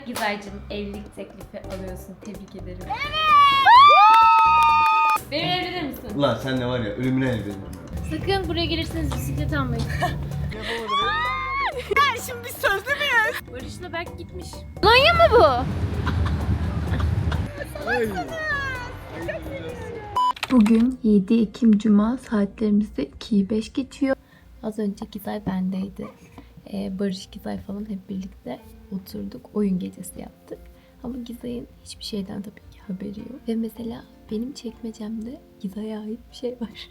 Gizaycığım evlilik teklifi alıyorsun. Tebrik ederim. Beni evlenir misin? Ulan sen ne var ya, ölümüne evlenirim. Sakın buraya gelirseniz bisiklet almayın. Şimdi biz sözlü müyüz? Barış'la Berk gitmiş. Kolonya mı bu? Bugün 7 Ekim Cuma, saatlerimizde 2'yi 5 geçiyor. Az önce Gizay bendeydi. Barış, Gizay falan hep birlikte oturduk. Oyun gecesi yaptık. Ama Gizay'ın hiçbir şeyden tabii ki haberi yok. Ve mesela benim çekmecemde Gizay'a ait bir şey var.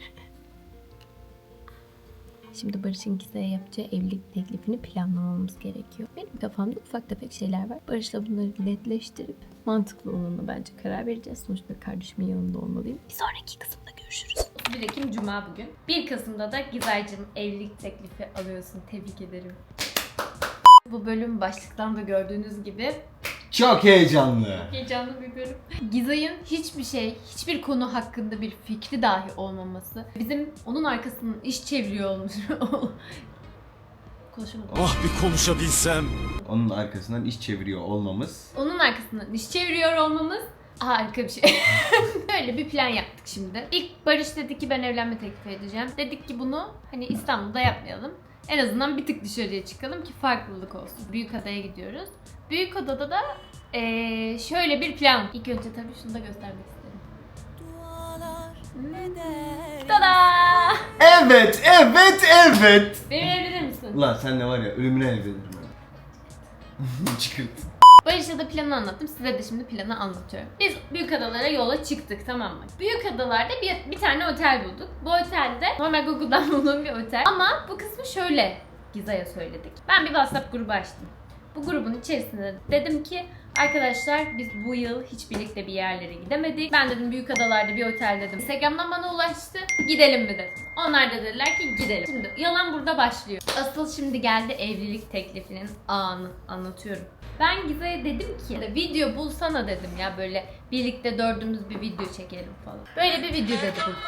Şimdi Barış'ın Gizay'a yapacağı evlilik teklifini planlamamız gerekiyor. Benim kafamda ufak tefek şeyler var. Barış'la bunları netleştirip mantıklı olanına bence karar vereceğiz. Sonuçta kardeşimin yanında olmalıyım. Bir sonraki kısımda görüşürüz. 1 Ekim Cuma bugün. 1 Kasım'da da Gizaycığım evlilik teklifi alıyorsun. Tebrik ederim. Bu bölüm başlıktan da gördüğünüz gibi Çok heyecanlı. heyecanlı bir bölüm. Gizay'ın hiçbir konu hakkında bir fikri dahi olmaması, bizim onun arkasından iş çeviriyor olmuş. Konuşamadım. Ah bir konuşabilsem. Onun arkasından iş çeviriyor olmamız. Onun arkasından iş çeviriyor olmamız harika bir şey. Böyle bir plan yaptık şimdi. İlk Barış dedi ki ben evlenme teklifi edeceğim. Dedik ki bunu hani İstanbul'da yapmayalım. En azından bir tık dışarıya çıkalım ki farklılık olsun. Büyükada'ya gidiyoruz. Büyükada'da da şöyle bir plan. İlk önce tabii şunu da göstermek isterim. Tada! Evet. Benimle evlenir misin? Ulan sen ne var ya, ölümüne evlenirim. Çıkırt. Barış'a da planı anlattım. Size de şimdi planı anlatıyorum. Biz Büyükadalara yola çıktık, tamam mı? Büyükadalar'da bir tane otel bulduk. Bu otelde normal Google'dan bulduğum bir otel. Ama bu kısmı şöyle Gizay'a söyledik. Ben bir WhatsApp grubu açtım. Bu grubun içerisinde dedim ki arkadaşlar biz bu yıl hiç birlikte bir yerlere gidemedik. Ben dedim Büyükadalar'da bir otel dedim. Instagram'dan bana ulaştı. Gidelim mi dedim. Onlar da dediler ki gidelim. Şimdi yalan burada başlıyor. Asıl şimdi geldi evlilik teklifinin anı. Anlatıyorum. Ben Gizay'a dedim ki video bulsana dedim ya, böyle birlikte dördümüz bir video çekelim falan. Böyle bir video dedi bu.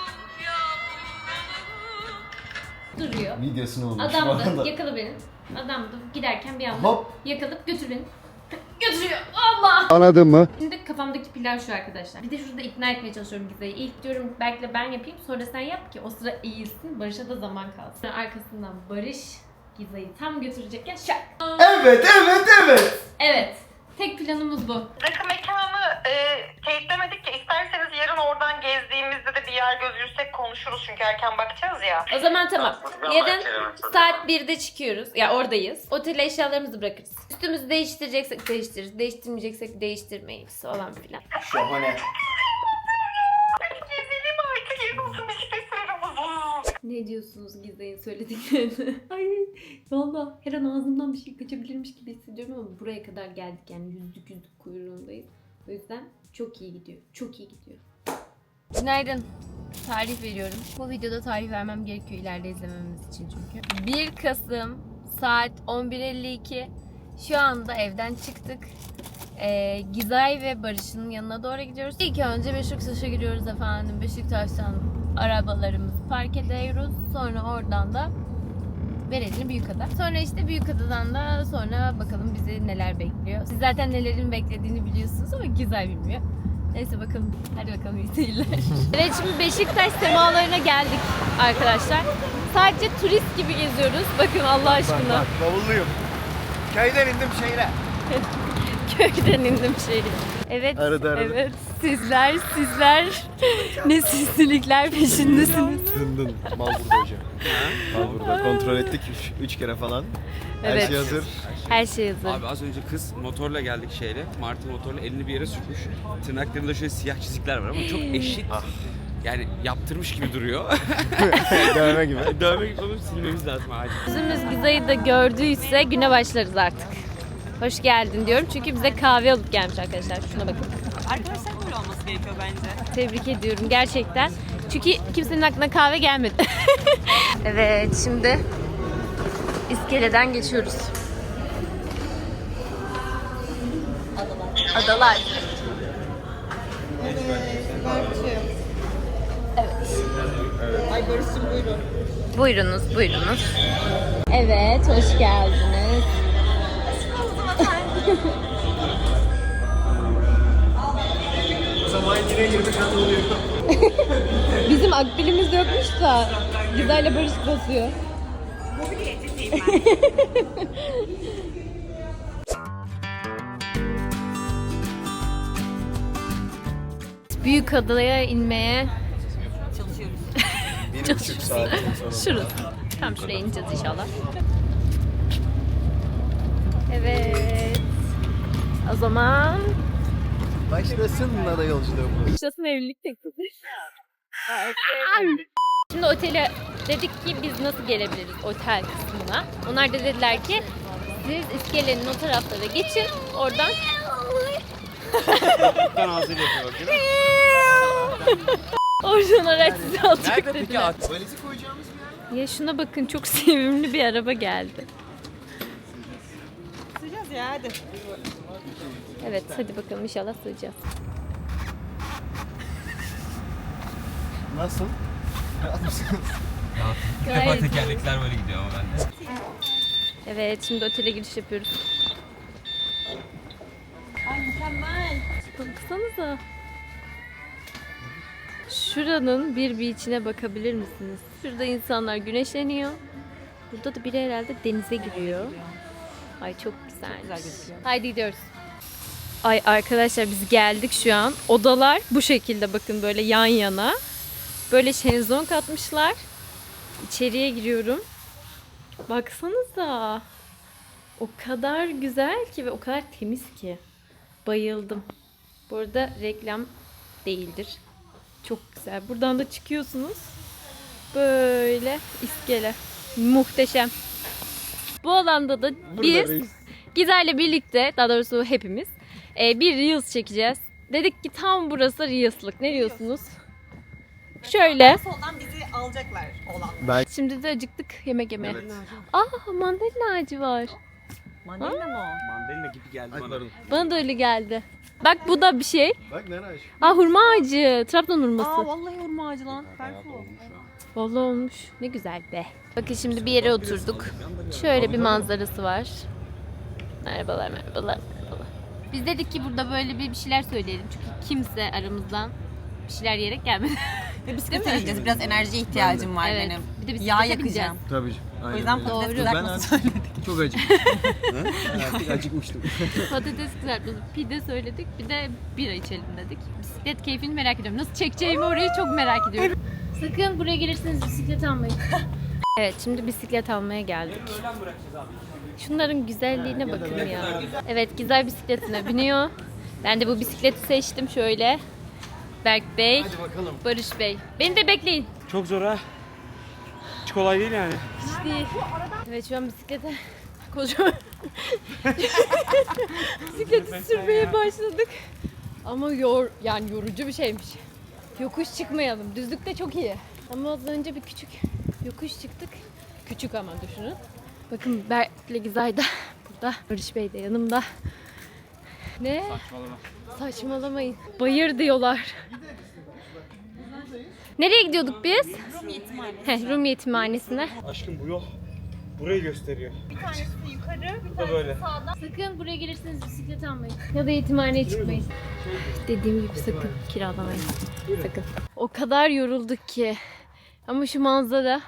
Duruyor. Videosunu olmuş bu Adamdı, arada. yakala beni. Adamdı, giderken bir anda Hop. yakalıp götür beni. Götürüyor. Allah! Anladın mı? Şimdi kafamdaki plan şu arkadaşlar. Bir de şurada ikna etmeye çalışıyorum Gizay'ı. İlk diyorum belki ben yapayım, sonra sen yap ki o sıra eğilsin. Barış'a da zaman kalsın. Arkasından Barış Gizay'ı tam götürecekken şak. Evet. Evet. Tek planımız bu. Rakı mekanı teyitlemedik ki, isterseniz yarın oradan gezdiğimizde de bir yer gözürsek konuşuruz çünkü erken bakacağız ya. O zaman tamam. Yarın saat 1'de çıkıyoruz. Ya oradayız. Otele eşyalarımızı bırakırız. Üstümüzü değiştireceksek değiştiririz. Değiştirmeyeceksek değiştirmeyiz falan filan. Şahane. Gezelim artık, yarın olsun bisiklet sürüyoruz. Ne diyorsunuz Gizay'ın söylediklerini? Ay valla her an ağzımdan bir şey kaçabilirmiş gibi hissediyorum ama buraya kadar geldik yani yüzlük kuyruğundayız. O yüzden çok iyi gidiyor. Çok iyi gidiyor. Günaydın. Tarih veriyorum. Bu videoda tarih vermem gerekiyor ileride izlememiz için çünkü. 1 Kasım saat 11.52. Şu anda evden çıktık. Gizay ve Barış'ın yanına doğru gidiyoruz. İlk önce Beşiktaş'a giriyoruz efendim. Beşiktaş'tan arabalarımızı park ediyoruz. Sonra oradan da Verelim Büyükada. Sonra işte Büyükada'dan da sonra bakalım bizi neler bekliyor. Siz zaten nelerin beklediğini biliyorsunuz ama Gizay bilmiyor. Neyse bakalım. Hadi bakalım iyi seyirler. Evet, şimdi Beşiktaş semalarına geldik arkadaşlar. Sadece turist gibi geziyoruz. Bakın Allah aşkına. Bavulluyum. Köyden indim şehre. Köyden indim şehre. Evet. Arada. Evet. Sizler ne sinsilikler peşindesiniz. Dındın. Mal burada hocam. Mal burada. Kontrol ettik 3 kere falan. Her Evet. şey hazır. Her şey hazır. Abi az önce kız motorla geldik şehre. Martı motorla elini bir yere sürtmüş. Tırnaklarında şöyle siyah çizikler var ama çok eşit. Yani yaptırmış gibi duruyor. Dövme gibi. Dövme gibi olup silmemiz lazım acil. Yüzümüz Gizay'ı da gördüyse güne başlarız artık. Hoş geldin diyorum çünkü bize kahve alıp gelmiş arkadaşlar. Şuna bakın. Arkadaşlar böyle olması gerekiyor bence. Tebrik ediyorum gerçekten. Çünkü kimsenin aklına kahve gelmedi. Evet, şimdi iskeleden geçiyoruz. Adalar. Evet. Ay Barış'cığım buyurun. Buyurunuz. Evet, hoş geldiniz. akbilimiz yokmuş da Gizay'la Barış basıyor. Büyük adaya inmeye 1,5 saatten sonra. şurası. Tam şuraya ineceğiz inşallah. Evet. O zaman Başlasın ada yolculuğumuz. başlasın evlilik teklifi. Şimdi otele dedik ki biz nasıl gelebiliriz otel kısmına. Onlar da dediler ki siz iskelenin o taraflara geçin. Oradan Ben ağzıyla yapıyor bakayım. oradan araç sizi alacak Nerede peki dediler. at? Valizi koyacağımız bir yer. Ya şuna bakın çok sevimli bir araba geldi. Sığacağız ya hadi. Evet hadi bakalım inşallah sığacağız. Nasıl? Rahat mısınız? Gayet. tekerlekler böyle gidiyor ama bende. Evet şimdi otele giriş yapıyoruz. Ay mükemmel. Baksanıza. Şuranın bir beach'ine bakabilir misiniz? Şurada insanlar güneşleniyor. Burada da biri herhalde denize giriyor. Ay çok güzel. Güzel gözüküyor. Haydi gidiyoruz. Ay arkadaşlar biz geldik şu an. Odalar bu şekilde bakın böyle yan yana. Böyle şezlong atmışlar. İçeriye giriyorum. Baksanıza. O kadar güzel ki ve o kadar temiz ki. Bayıldım. Bu arada reklam değildir. Çok güzel. Buradan da çıkıyorsunuz. Böyle iskele. Muhteşem. Bu alanda da biz Gizer'le birlikte, daha doğrusu hepimiz bir Reels çekeceğiz. Dedik ki tam burası Reels'lık. Ne diyorsunuz? Şöyle. Soldan bizi alacaklar olan. Şimdi de acıktık yemek yemeye. Evet. Mandalina ağacı var. Mandalina mı o? Mandalina gibi geldi bana. Bana da öyle geldi. Bak bu da bir şey. Bak nereye aç? Hurma ağacı. Trabzon hurması. Aa vallahi hurma ağacı lan. Berfu. Vallahi olmuş. Ne güzel be. Bakın şimdi bir yere oturduk. Şöyle bir manzarası var. Merhabalar, merhabalar, merhabalar. Biz dedik ki burada böyle bir şeyler söyleyelim. Çünkü kimse aramızdan bir şeyler yiyerek gelmedi. Ve bisiklete gideceğiz. Biraz enerjiye ihtiyacım var Evet. benim. Bir de bisiklete Yağ bineceğiz. yakacağım. Tabii. O yüzden patates Doğru. kızartması Ben söyledik. çok acıktım. Artık acıkmıştım. Patates kızartması, pide söyledik. Bir de bira içelim dedik. Bisiklet keyfini merak ediyorum. Nasıl çekeceğimi orayı çok merak ediyorum. Sakın buraya gelirseniz bisiklet almayın. Evet şimdi bisiklet almaya geldik. Şunların güzelliğine bakın ya. Evet Gizay bisikletine biniyor. Ben de bu bisikleti seçtim şöyle. Berk Bey, Hadi bakalım. Barış Bey. Beni de bekleyin. Çok zor ha. Hiç kolay değil yani. Hiç değil. Evet şu an bisiklete kocaman bisikleti sürmeye başladık. Ama yani yorucu bir şeymiş. Yokuş çıkmayalım. Düzlükte çok iyi. Ama az önce bir küçük yokuş çıktık. Küçük ama düşünün. Bakın Berk'le Gizay da burada. Barış Bey de yanımda. Ne? Saçmalama. Saçmalamayın. Bayır diyorlar. Nereye gidiyorduk biz? Rum yetimhanesi. Rum yetimhanesine. Aşkım bu yol burayı gösteriyor. Bir tanesi yukarı, bir Bu da tanesi böyle. sağdan. Sakın buraya gelirseniz bisiklet almayın. Ya da yetimhaneye çıkmayın. Dediğim gibi sakın kiralamayın. Sakın. O kadar yorulduk ki. Ama şu manzara.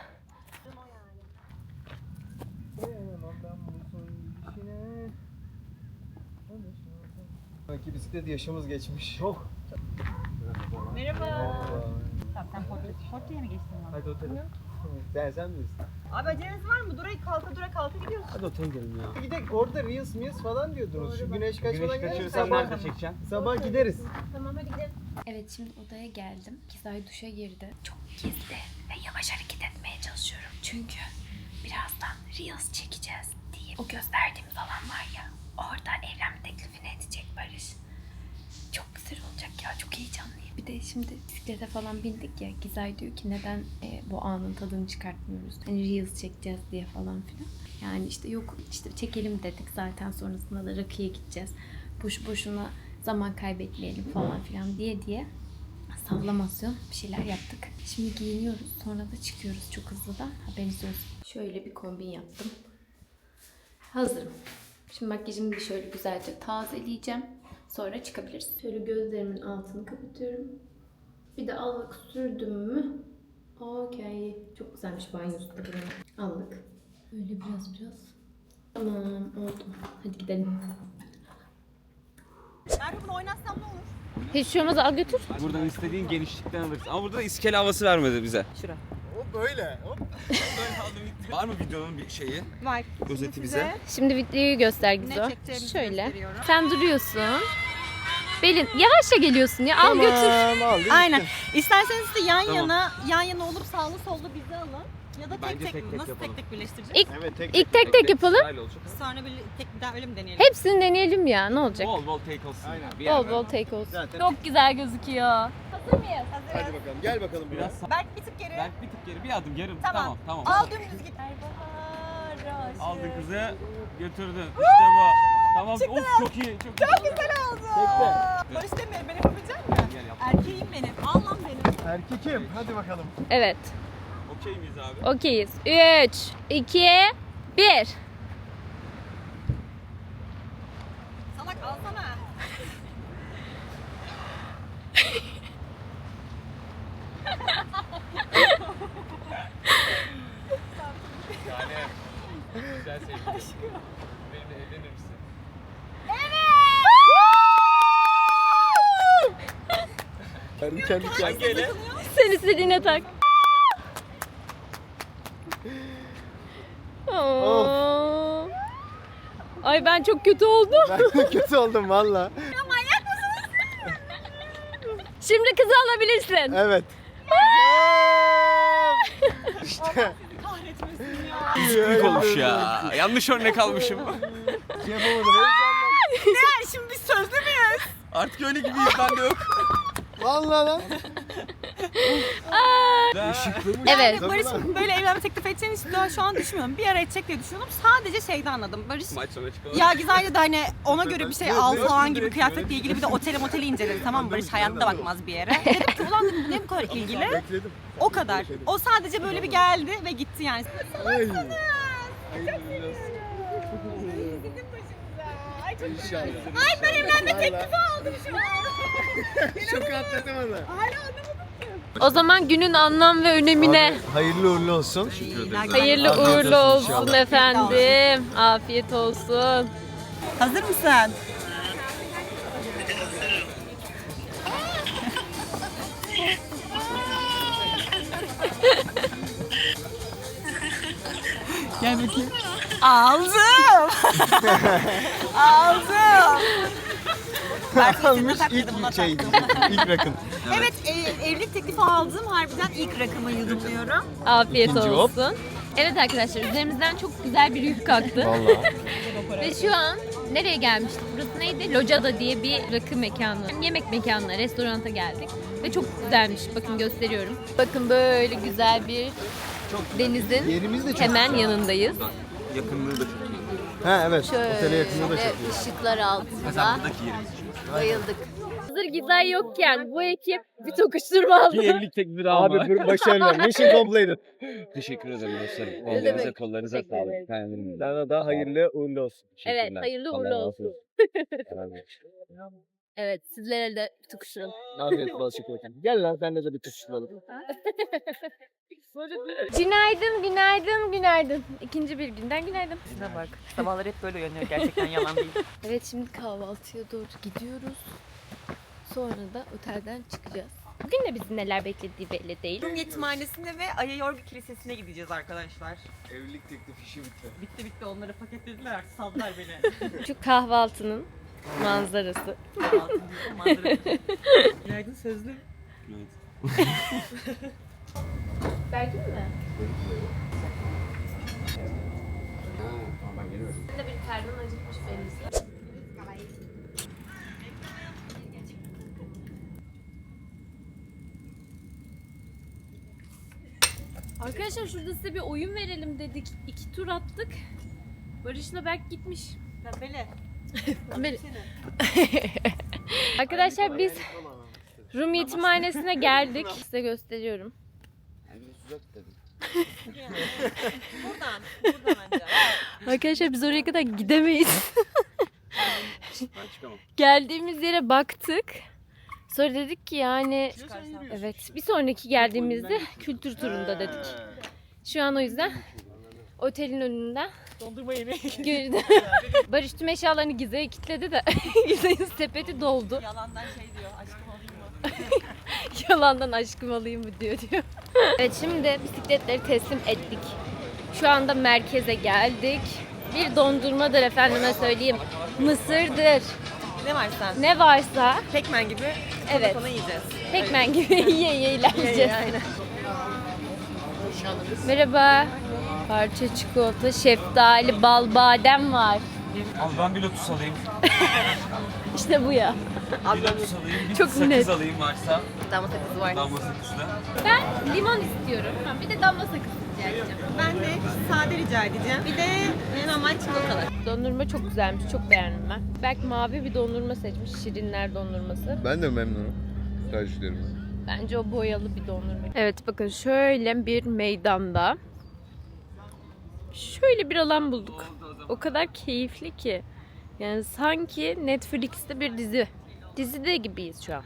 Sanki bisiklet yaşımız geçmiş. Çok. Merhaba. Tamam sen portaya mı geçtin lan? Hadi otele. Sen bilirsin. Abi aceleniz var mı? Durayı kalka gidiyorsun. Hadi otele gidelim ya. Gidelim orada Reels falan diyordunuz. Şu güneş kaçmadan gidelim. çekeceksin? Sabah gideriz. Tamam hadi gidelim. Evet şimdi odaya geldim. Gizay duşa girdi. Çok gizli ve yavaş hareket etmeye çalışıyorum. Çünkü birazdan Reels çekeceğiz diye. O gösterdiğimiz alan var ya. Orada evlenme teklifini edecek Barış. Çok güzel olacak ya. Çok heyecanlıyım. Bir de şimdi bisiklete falan bindik ya. Gizay diyor ki neden bu anın tadını çıkartmıyoruz? Hani Reels çekeceğiz diye falan filan. Yani işte yok işte çekelim dedik. Zaten sonrasında da rakıya gideceğiz. Boş boşuna zaman kaybetmeyelim falan filan diye sallamasyon bir şeyler yaptık. Şimdi giyiniyoruz. Sonra da çıkıyoruz çok hızlıdan. Haberiniz olsun. Şöyle bir kombin yaptım. Hazırım. Şimdi makyajımı bir şöyle güzelce tazeleyeceğim. Sonra çıkabiliriz. Şöyle gözlerimin altını kapatıyorum. Bir de allık sürdüm mü Okey. Çok güzelmiş banyosu da buranın. Aldık. Öyle biraz. Tamam oldu. Hadi gidelim. Merve bunu oynatsam ne olur? Hiç şey olmaz, al götür. Buradan istediğin genişlikten alırsın. Ama burada da iskele havası vermedi bize. Şura. Hop böyle. Hop. Var mı videonun bir şeyi? Var. Özeti bize. Şimdi videoyu göster Gizo. Ne çekeceğimizi Şöyle. gösteriyorum. Sen duruyorsun. Belin yavaşça geliyorsun ya. Al götür. Aldım. Aynen. İsterseniz de yan Tamam. yana olup sağlı sollu bizi alın. Ya da Bence tek tek mi? tek Nasıl yapalım. tek birleştireceğiz? Evet İlk tek yapalım. Sırayla olacak. Sonra bir daha öyle mi deneyelim? Hepsini deneyelim ya. Ne olacak? Bol bol take olsun. Aynen. Bir yer Bol ver. bol take olsun. Zaten. Çok güzel gözüküyor. Hazır mıyız? Hadi bakalım. Gel bakalım biraz. Biraz Berk bir tık geri. Belki bir tık geri, bir adım yarım. Tamam. Tamam. Al dümdüz git. Ay bahar aşığı. Aldın kızı, götürdün. İşte bu. Tamam. Of çok iyi. Çok Güzel oldu. Barış Demir ben yapabilecek miyim? Gel yap. Erkeğim benim. Al lan benim. Erkekim. Hadi bakalım. Evet. Okey miyiz abi? Okeyiz. 3, 2, 1. Salak alsana. Güzel sevgilim. Benimle evlenir misin? Kendi Hangi ele? Sen istediğine tak. Oo. Ay ben çok kötü oldum. Ben kötü oldum valla. Şimdi kızı alabilirsin. Evet. İşte. Kahretmesin ya. Büyük olmuş ya. Yanlış örnek almışım. Şey yapamadım. Heyecanla. Ne? Şimdi biz sözlü müyüz? Artık öyle gibiyiz, ben de yok. Valla lan. Evet. Barış böyle evlenme teklif edeceğini hiç daha şu an düşünmüyorum. Bir ara edecek diye düşünüyordum. Sadece şeyden anladım. Barış Maç sonu çıkalım. ya Gizay'la da hani ona göre bir şey al falan gibi kıyafetle ilgili bir de oteli inceledi, tamam mı? Barış hayatta bakmaz bir yere. Dedim ki ulan dedim, bu ne bu kadar ilgili? Bekledim. O kadar. O sadece böyle bir geldi ve gitti yani. Ay. Ay ben evlenme teklifi aldım şu an. Çok atlatamadı. O zaman günün anlam ve önemine Hayırlı uğurlu olsun. hayırlı Afiyet uğurlu olsun olsun inşallah. efendim. Afiyet olsun. Hazır mısın? Gel bakayım. Aldım. Aldım. Ben Almış takmadım, buna ilk şey. taktım. İlk rakım. Evet, evlilik teklifi aldım. Harbiden ilk rakamı yudumluyorum. Afiyet İkinci hop. olsun. Evet arkadaşlar üzerimizden çok güzel bir yük kalktı. Valla. Ve şu an nereye gelmiştik? Burası neydi? Locada diye bir rakı mekanı. Yemek mekanına, restoranta geldik. Ve çok güzelmiş. Bakın gösteriyorum. Bakın böyle güzel bir denizin Yerimiz de çok hemen yanındayız. Yakınlığı da çok iyi. Ha evet. Otele yakınlığı da Şöyle çok iyi. ışıklar altında Mesela buradaki yerimiz için. bayıldık. Hazır Gizay yokken bu ekip bir tokuşturma aldı. Bir evlilik teklifi daha var. Abi başarılı. Mission completed. Teşekkür ederim dostlarım. Ne Ellerinize demek? kollarınıza Teşekkür sağlık. ederim. Beğendim. Sana da hayırlı uğurlu olsun. Evet, Teşekkürler. hayırlı Allah uğurlu razı olsun. Evet, sizlere de tokuşturalım. Afiyet bal şeker. Gel lan senle de bir tutuşturalım. Günaydın, günaydın, günaydın. İkinci bir günden günaydın. Şuna bak. Sabahlar hep böyle uyanıyor. Gerçekten yalan değil. Evet, şimdi kahvaltıya doğru gidiyoruz. Sonra da otelden çıkacağız. Bugün de bizi neler beklediği belli değil. Rum Yetimhanesi'ne ve Ayayorgu Kilisesi'ne gideceğiz arkadaşlar. Evlilik teklifi işi bitti. Bitti onları paketlediler artık saldılar beni. Şu kahvaltının manzarası. Günaydın sözlü. Belki mi? Sen de bir karnın acıkmış belli. Arkadaşlar şurada size bir oyun verelim dedik. 2 tur attık. Barış'la Berk gitmiş. Pembele. Arkadaşlar biz Rum Yetimhanesi'ne geldik. Size gösteriyorum. Buradan bence. Arkadaşlar biz oraya kadar gidemeyiz. Ben çıkamam. Geldiğimiz yere baktık. Sonra dedik ki yani evet bir sonraki geldiğimizde kültür turunda dedik. Şu an o yüzden otelin önünden Dondurma yemeği. Barış tüm eşyalarını Gize'ye kilitledi de Gize'nin sepeti doldu. Yalandan şey diyor, aşkım alayım mı? Yalandan aşkım alayım mı diyor. Evet şimdi bisikletleri teslim ettik. Şu anda merkeze geldik. Bir dondurmadır efendime söyleyeyim. Mısırdır. Ne varsa. Ne varsa Pekmen gibi evet. Sonra yiyeceğiz. Pekmen gibi yiye ilerleyeceğiz. Aynen. Merhaba. Parça çikolata, şeftali, bal, badem var. Al ben bir lotus alayım. İşte bu ya. Bir lotus alayım. Bir Çok sakız net. alayım varsa. Damla sakızı var. Damla sakızı da. Ben limon istiyorum. Bir de damla sakız rica edeceğim. Ben de sade rica edeceğim. Bir de normal çikolatalı. Dondurma çok güzelmiş. Çok beğendim ben. Belki mavi bir dondurma seçmiş. Şirinler dondurması. Ben de memnunum. Tercihlerimden. Bence o boyalı bir dondurma. Evet bakın şöyle bir meydanda şöyle bir alan bulduk. O kadar keyifli ki. Yani sanki Netflix'te bir dizi. Dizide gibiyiz şu an.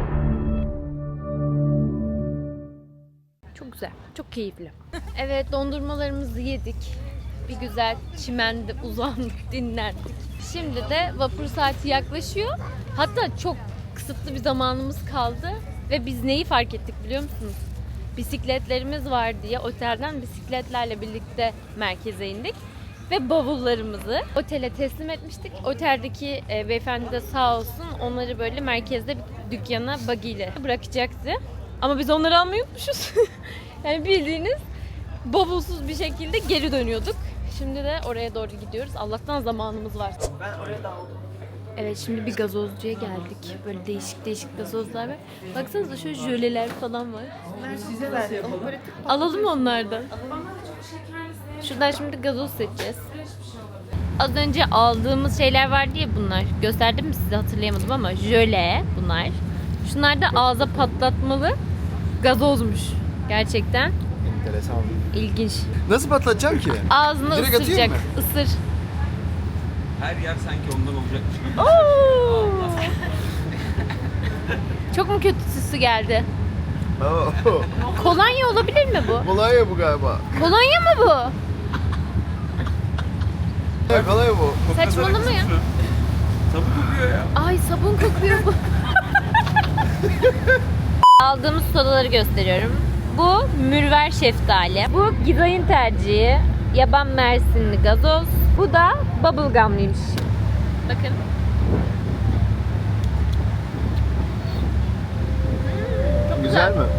Çok güzel. Çok keyifli. Evet dondurmalarımızı yedik. Bir güzel çimende uzandık, dinlendik. Şimdi de vapur saati yaklaşıyor. Hatta çok kısıtlı bir zamanımız kaldı. Ve biz neyi fark ettik biliyor musunuz? Bisikletlerimiz var diye otelden bisikletlerle birlikte merkeze indik. Ve bavullarımızı otele teslim etmiştik. Oteldeki beyefendi de sağ olsun onları böyle merkezde bir dükkana buggy ile bırakacaktı. Ama biz onları almayı unutmuşuz. Yani bildiğiniz bavulsuz bir şekilde geri dönüyorduk. Şimdi de oraya doğru gidiyoruz. Allah'tan zamanımız var. Ben oraya daldım. Evet şimdi bir gazozcuya geldik. Böyle değişik değişik gazozlar var. Baksanıza şöyle jöleler falan var. Size ver. Alalım onlardan. Şuradan şimdi gazoz seçeceğiz. Az önce aldığımız şeyler vardı ya bunlar. Gösterdim mi size hatırlayamadım ama jöle bunlar. Şunlar da ağza patlatmalı gazozmuş. Gerçekten Enteresan. ilginç. Nasıl patlatacağım ki? Ağzına Direkt atayım ısıracak. mı? Isır. Her yer sanki ondan olacakmış gibi. Oo! Çok mu kötü süsü geldi? Oo. Kolonya olabilir mi bu? Kolonya bu galiba. Kolonya mı bu? Ya kolonya bu. Saçmalama ya. Tabu kokuyor ya. Ay sabun kokuyor bu. Aldığımız sodaları gösteriyorum. Bu mürver şeftali. Bu Gizay'ın tercihi. Yaban mersinli gazoz. Bu da bubblegum'lıymış. Bakın. Güzel mi?